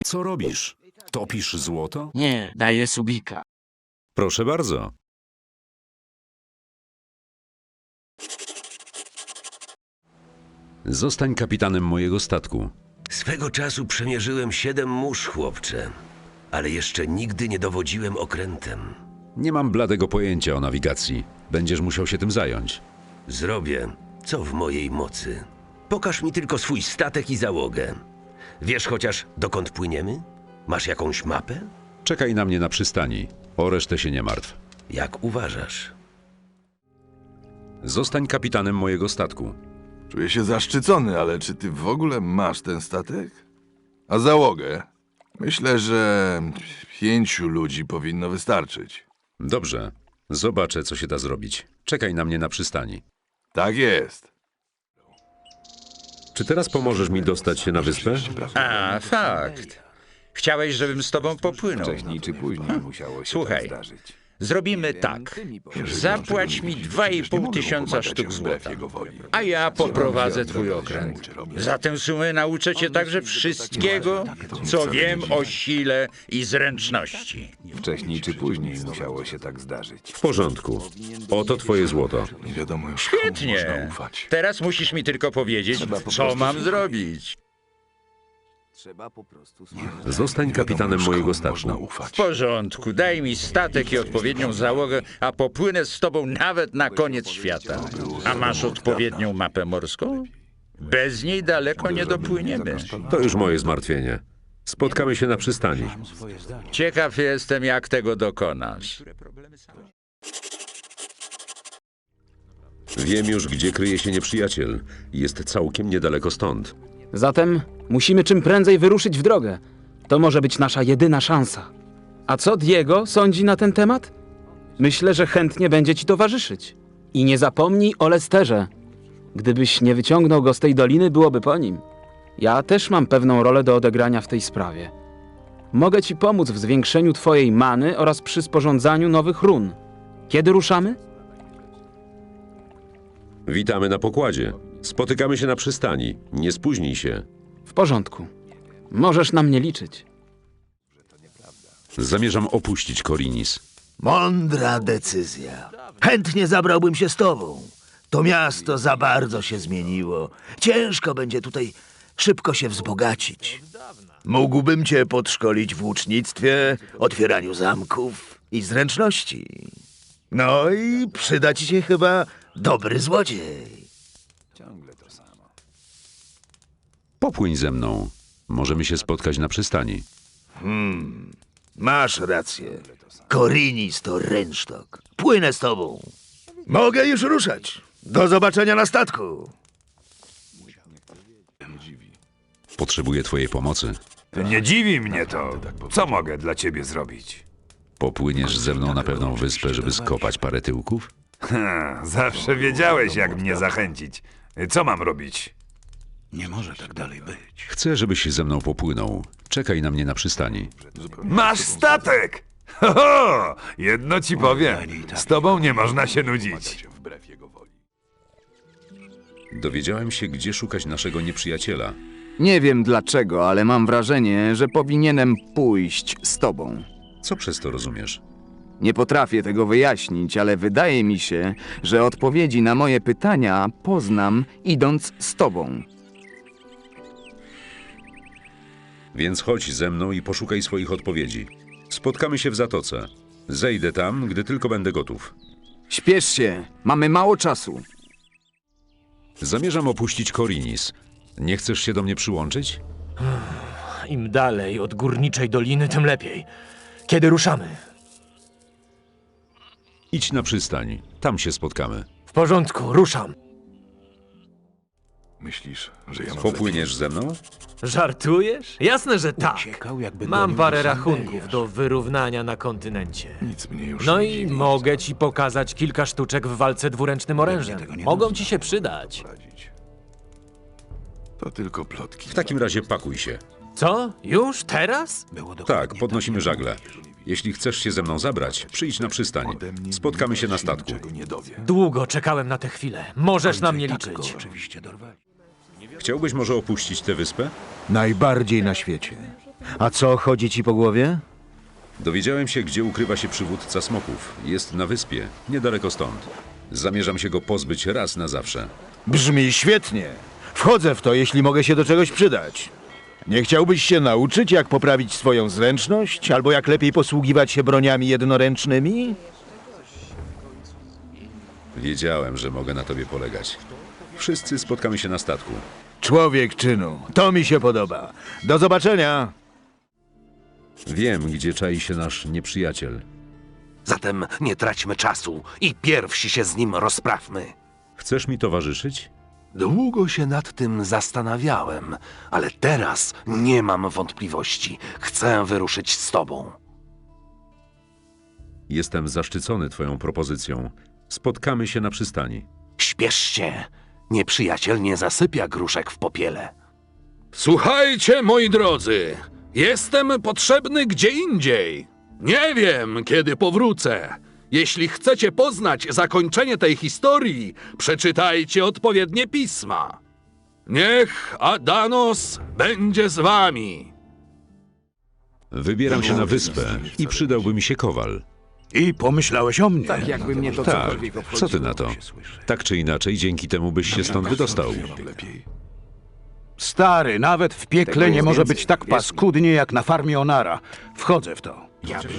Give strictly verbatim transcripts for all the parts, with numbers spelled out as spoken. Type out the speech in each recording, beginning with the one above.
Co robisz? Topisz złoto? Nie, daję subika. Proszę bardzo. Zostań kapitanem mojego statku. Swego czasu przemierzyłem siedem mórz, chłopcze. Ale jeszcze nigdy nie dowodziłem okrętem. Nie mam bladego pojęcia o nawigacji. Będziesz musiał się tym zająć. Zrobię, co w mojej mocy. Pokaż mi tylko swój statek i załogę. Wiesz chociaż, dokąd płyniemy? Masz jakąś mapę? Czekaj na mnie na przystani. O resztę się nie martw. Jak uważasz? Zostań kapitanem mojego statku. Czuję się zaszczycony, ale czy ty w ogóle masz ten statek? A załogę? Myślę, że pięciu ludzi powinno wystarczyć. Dobrze. Zobaczę, co się da zrobić. Czekaj na mnie na przystani. Tak jest. Czy teraz pomożesz mi dostać się na wyspę? A, fakt. Chciałeś, żebym z tobą popłynął. Wcześniej czy później musiało się Słuchaj. tak zdarzyć. Zrobimy tak. Zapłać mi dwa i pół tysiąca sztuk złota, a ja poprowadzę twój okręt. Za tę sumę nauczę cię także wszystkiego, co wiem o sile i zręczności. Wcześniej czy później musiało się tak zdarzyć. W porządku. Oto twoje złoto. Nie wiadomo już, komu można Świetnie. ufać. Teraz musisz mi tylko powiedzieć, co mam zrobić. Trzeba po prostu Zostań kapitanem Komu mojego można statku. ufać. W porządku, daj mi statek i odpowiednią załogę, a popłynę z tobą nawet na koniec świata. A masz odpowiednią mapę morską? Bez niej daleko nie dopłyniemy. To już moje zmartwienie. Spotkamy się na przystani. Ciekaw jestem, jak tego dokonasz. Wiem już, gdzie kryje się nieprzyjaciel. Jest całkiem niedaleko stąd. Zatem musimy czym prędzej wyruszyć w drogę. To może być nasza jedyna szansa. A co Diego sądzi na ten temat? Myślę, że chętnie będzie ci towarzyszyć. I nie zapomnij o Lesterze. Gdybyś nie wyciągnął go z tej doliny, byłoby po nim. Ja też mam pewną rolę do odegrania w tej sprawie. Mogę ci pomóc w zwiększeniu twojej many oraz przy sporządzaniu nowych run. Kiedy ruszamy? Witamy na pokładzie. Spotykamy się na przystani. Nie spóźnij się. W porządku. Możesz na mnie liczyć. Zamierzam opuścić Korinis. Mądra decyzja. Chętnie zabrałbym się z tobą. To miasto za bardzo się zmieniło. Ciężko będzie tutaj szybko się wzbogacić. Mógłbym cię podszkolić w łucznictwie, otwieraniu zamków i zręczności. No i przyda ci się chyba dobry złodziej. Popłyń ze mną. Możemy się spotkać na przystani. Masz rację. Korinis to rynsztok. Płynę z tobą. Mogę już ruszać. Do zobaczenia na statku. Potrzebuję twojej pomocy. Nie dziwi mnie to. Co mogę dla ciebie zrobić? Popłyniesz ze mną na pewną wyspę, żeby skopać parę tyłków? Ha, zawsze wiedziałeś, jak mnie zachęcić. Co mam robić? Chcę, żebyś ze mną popłynął. Czekaj na mnie na przystani. Masz statek! Ho, ho! Jedno ci powiem. Z tobą nie można się nudzić. Dowiedziałem się, gdzie szukać naszego nieprzyjaciela. Nie wiem dlaczego, ale mam wrażenie, że powinienem pójść z tobą. Co przez to rozumiesz? Nie potrafię tego wyjaśnić, ale wydaje mi się, że odpowiedzi na moje pytania poznam, idąc z tobą. Więc chodź ze mną i poszukaj swoich odpowiedzi. Spotkamy się w zatoce. Zejdę tam, gdy tylko będę gotów. Śpiesz się, mamy mało czasu. Zamierzam opuścić Korinis. Nie chcesz się do mnie przyłączyć? Im dalej od górniczej doliny, tym lepiej. Kiedy ruszamy? Idź na przystań. Tam się spotkamy. W porządku, ruszam. Myślisz, że ja mam Popłyniesz ze mną? Żartujesz? Jasne, że tak. Mam parę rachunków do wyrównania na kontynencie. nic mnie już No nie i dziwi. mogę ci pokazać kilka sztuczek w walce dwuręcznym orężem. Mogą ci się przydać. Radzić. To tylko plotki. W takim razie pakuj się. Co? Już? Teraz? Tak, podnosimy żagle. Jeśli chcesz się ze mną zabrać, przyjdź na przystań. Spotkamy się na statku. Niczego nie dowie. Długo czekałem na tę chwilę. Możesz na mnie liczyć. Chciałbyś może opuścić tę wyspę? Najbardziej na świecie. A co chodzi ci po głowie? Dowiedziałem się, gdzie ukrywa się przywódca smoków. Jest na wyspie, niedaleko stąd. Zamierzam się go pozbyć raz na zawsze. Brzmi świetnie. Wchodzę w to, jeśli mogę się do czegoś przydać. Nie chciałbyś się nauczyć, jak poprawić swoją zręczność, albo jak lepiej posługiwać się broniami jednoręcznymi? Wiedziałem, że mogę na tobie polegać. Wszyscy spotkamy się na statku. Człowiek czynu. To mi się podoba. Do zobaczenia. Wiem, gdzie czai się nasz nieprzyjaciel. Zatem nie traćmy czasu i pierwsi się z nim rozprawmy. Chcesz mi towarzyszyć? Długo się nad tym zastanawiałem, ale teraz nie mam wątpliwości. Chcę wyruszyć z tobą. Jestem zaszczycony twoją propozycją. Spotkamy się na przystani. Śpiesz się. Nieprzyjaciel nie zasypia gruszek w popiele. Słuchajcie, moi drodzy, jestem potrzebny gdzie indziej. Nie wiem, kiedy powrócę. Jeśli chcecie poznać zakończenie tej historii, przeczytajcie odpowiednie pisma. Niech Adanos będzie z wami. Wybieram się na wyspę i przydałby mi się kowal. I pomyślałeś o mnie. Tak jakby mnie to Tak, cokolwiek obchodziło. co ty na to? Tak czy inaczej, dzięki temu byś się stąd wydostał. Stary, nawet w piekle Tego nie jest może więcej. być tak Jest- paskudnie jak na farmie Onara. Wchodzę w to.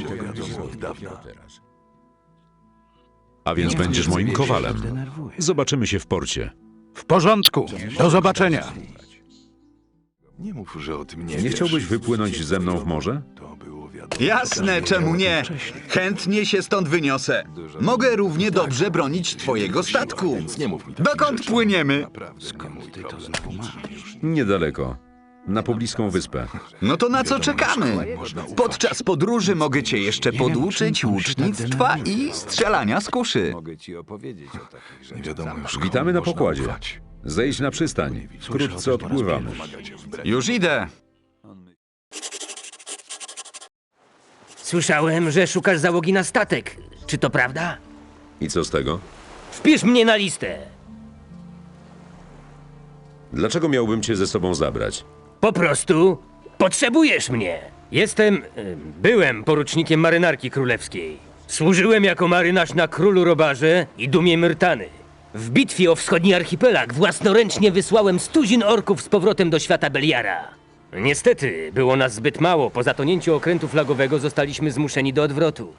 A więc będziesz moim kowalem. Zobaczymy się w porcie. W porządku. Do zobaczenia. Nie mów, że o tym nie Nie wiesz. chciałbyś wypłynąć ze mną w morze? Jasne, czemu nie? Chętnie się stąd wyniosę. Mogę równie dobrze bronić twojego statku. Dokąd płyniemy? Niedaleko. Na pobliską wyspę. No to na co czekamy? Podczas podróży mogę cię jeszcze poduczyć łucznictwa i strzelania z kuszy. Mogę ci opowiedzieć o takich rzeczach. Nie wiadomo już, komu Witamy na można pokładzie. ufać. Zejdź na przystań. Wkrótce odpływamy. Już idę. Słyszałem, że szukasz załogi na statek. Czy to prawda? I co z tego? Wpisz mnie na listę. Dlaczego miałbym cię ze sobą zabrać? Po prostu potrzebujesz mnie. Jestem... y, byłem porucznikiem marynarki królewskiej. Służyłem jako marynarz na Królu Robarze i Dumie Myrtany. W bitwie o wschodni archipelag własnoręcznie wysłałem stuzin orków z powrotem do świata Beliara. Niestety, było nas zbyt mało. Po zatonięciu okrętu flagowego zostaliśmy zmuszeni do odwrotu.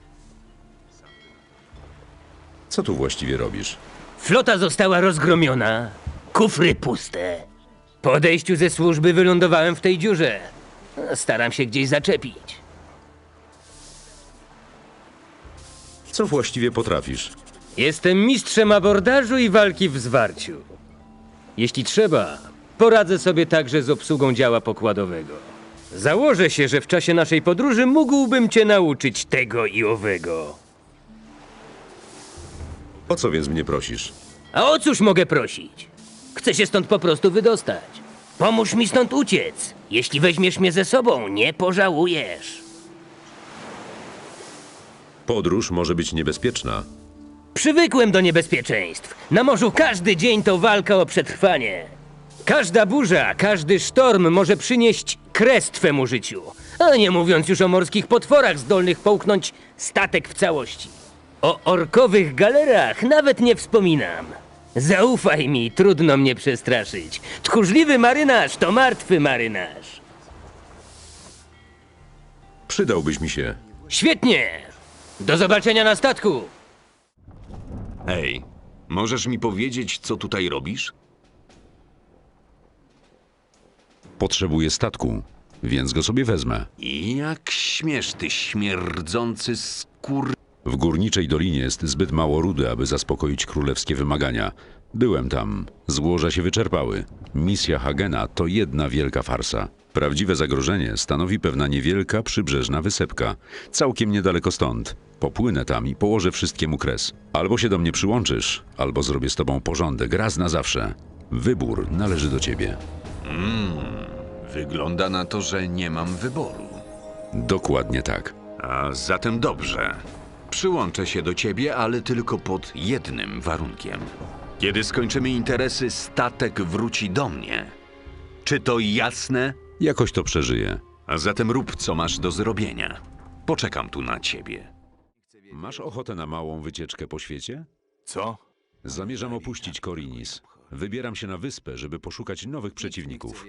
Co tu właściwie robisz? Flota została rozgromiona, kufry puste. Po odejściu ze służby wylądowałem w tej dziurze. Staram się gdzieś zaczepić. Co właściwie potrafisz? Jestem mistrzem abordażu i walki w zwarciu. Jeśli trzeba, poradzę sobie także z obsługą działa pokładowego. Założę się, że w czasie naszej podróży mógłbym cię nauczyć tego i owego. O co więc mnie prosisz? A o cóż mogę prosić? Chcę się stąd po prostu wydostać. Pomóż mi stąd uciec. Jeśli weźmiesz mnie ze sobą, nie pożałujesz. Podróż może być niebezpieczna. Przywykłem do niebezpieczeństw. Na morzu każdy dzień to walka o przetrwanie. Każda burza, każdy sztorm może przynieść kres twemu życiu. A nie mówiąc już o morskich potworach zdolnych połknąć statek w całości. O orkowych galerach nawet nie wspominam. Zaufaj mi, trudno mnie przestraszyć. Tchórzliwy marynarz to martwy marynarz. Przydałbyś mi się. Świetnie! Do zobaczenia na statku! Ej, możesz mi powiedzieć, co tutaj robisz? Potrzebuję statku, więc go sobie wezmę. I jak śmiesz, ty śmierdzący skór... W Górniczej Dolinie jest zbyt mało rudy, aby zaspokoić królewskie wymagania. Byłem tam. Złoża się wyczerpały. Misja Hagena to jedna wielka farsa. Prawdziwe zagrożenie stanowi pewna niewielka przybrzeżna wysepka. Całkiem niedaleko stąd. Popłynę tam i położę wszystkiemu kres. Albo się do mnie przyłączysz, albo zrobię z tobą porządek raz na zawsze. Wybór należy do ciebie. Mm, wygląda na to, że nie mam wyboru. Dokładnie tak. A zatem dobrze. Przyłączę się do ciebie, ale tylko pod jednym warunkiem. Kiedy skończymy interesy, statek wróci do mnie. Czy to jasne? Jakoś to przeżyję. A zatem rób, co masz do zrobienia. Poczekam tu na ciebie. Masz ochotę na małą wycieczkę po świecie? Co? Zamierzam opuścić Korinis. Wybieram się na wyspę, żeby poszukać nowych przeciwników.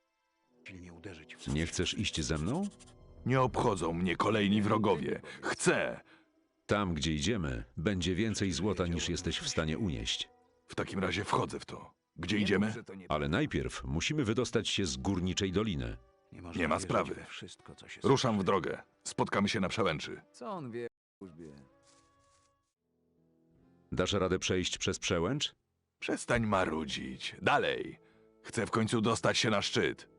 Nie chcesz iść ze mną? Nie obchodzą mnie kolejni wrogowie. Chcę! Tam, gdzie idziemy, będzie więcej złota niż jesteś w stanie unieść. W takim razie wchodzę w to. Gdzie idziemy? Ale najpierw musimy wydostać się z górniczej doliny. Nie ma sprawy. Ruszam w drogę. Spotkamy się na przełęczy. Co on wie o służbie? Dasz radę przejść przez przełęcz? Przestań marudzić. Dalej. Chcę w końcu dostać się na szczyt.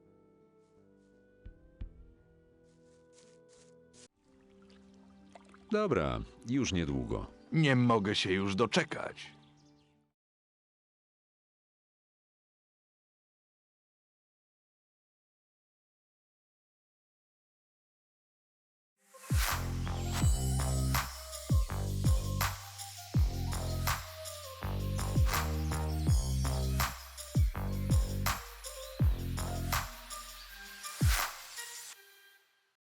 Dobra, już niedługo. Nie mogę się już doczekać.